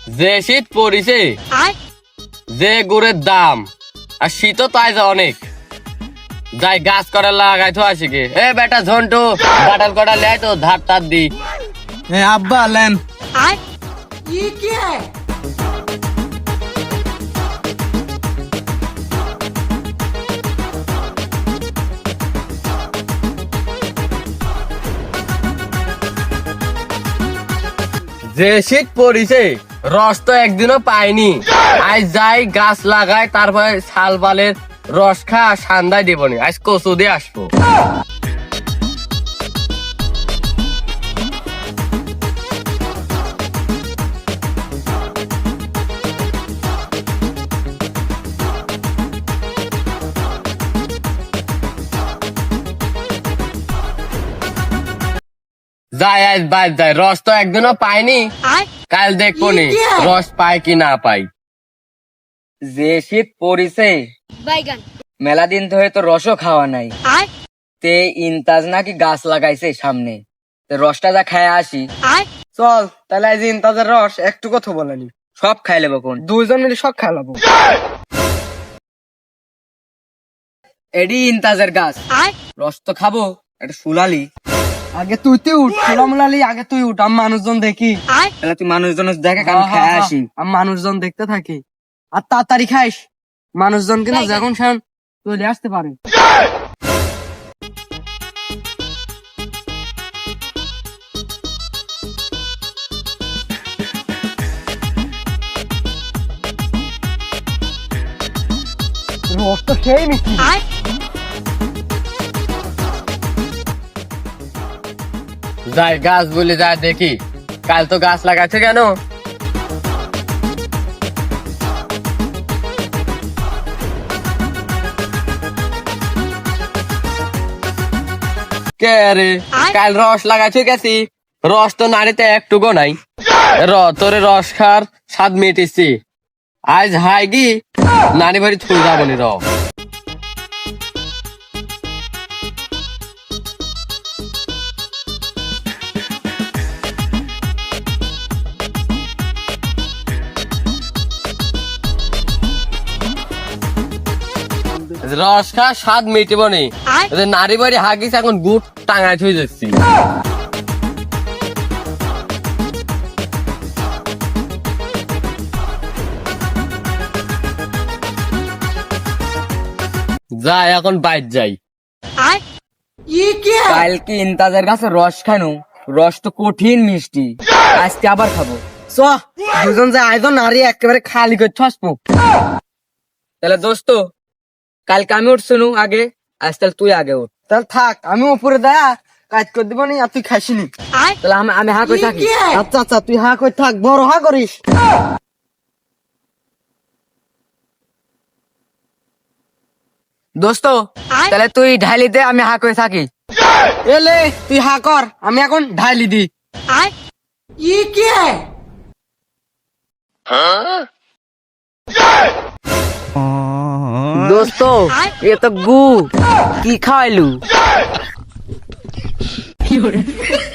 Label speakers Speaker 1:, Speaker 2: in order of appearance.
Speaker 1: যে শীত পড়িছে, যে গুড়ের দাম, আর শীতও তাই যা অনেক। যাই গাছ করা লাগাই তো আসি গে। এ বেটা ঝন্টু, বাটাল কটা লে তো ধার তার দি।
Speaker 2: আব্বা লেন।
Speaker 1: যে শীত পড়িছে, রস তো একদিনও পাইনি। আজ যাই গাছ লাগাই, তারপরে শাল বালের রস খা সান্দাই দেবনি। আজ কচু দিয়ে আসবো। যাই আজ বাদ যাই, রস তো একদিনও পাইনি। কাল দেখবো নি রস পাই কি না পাই।
Speaker 2: যে শীত পড়িছে, মেলা দিন ধরে তো রসও খাওয়া নাই। তে ইনতাজ নাকি গাছ লাগাইছে সামনে, রসটা যা খায় আসি। চল তাহলে আজ ইনতাজের রস একটু কথা বলেনি, সব খাই লেবো। কোন দুইজন মিলে সব খাই লেবো। এডি ইনতাজের গাছ, রস তো খাবো। এটা সুলালি, আগে তুই উঠ। সুলামুলালি আগে তুই উঠ, আমি মানুষজন দেখি। তাহলে তুই মানুষজন দেখে আমি খাই আসি। আমি মানুষজন দেখতে থাকি, আর তাড়াতাড়ি খাইস। মানুষজন কিন্তু যখন সেন চলে আসতে পারে। রস তো সেই মিষ্টি।
Speaker 1: যাই গাছ বলে যাই দেখি, কাল তো গাছ লাগাচ্ছে কেন? কে রে, কাল রস লাগাচ্ছে গেছি, রস তো নাড়িতে একটুকু নাই। তোরে রস খার স্বাদ মেটেছি। আজ হাই গি নানি বাড়ি ছুঁড়ে যাবো নি। রস খা স্বাদ মেটিব নি। নারী বাড়ি হাগিস এখন গুড় টাঙায় থুই যাচ্ছি। যাই এখন বাইর যাই।
Speaker 2: কালকে ইনতাজের কাছে রস খানো, রস তো কঠিন মিষ্টি। আজকে আবার খাবো। চ দুজন যে আয়োজন নারী একেবারে খালি করে আসবো। তাহলে দোস্ত, কালকে আমি উঠছনু আগে, আজ তাহলে তুই আগে উঠ। তাহলে থাক, আমি উপরে দেয়া কাজ করে দিব নি, আর তুই খাইসিনি। তাহলে আমি হা করে থাকি। আচ্ছা আচ্ছা, তুই হা করে থাক, বড় হা করিস। দোস্ত তাহলে তুই ঢালি দে, আমি হা করে থাকি। এলে তুই হা কর, আমি এখন ঢালি দি। দোস্ত এ তো গু, কি খাওয়াইলু?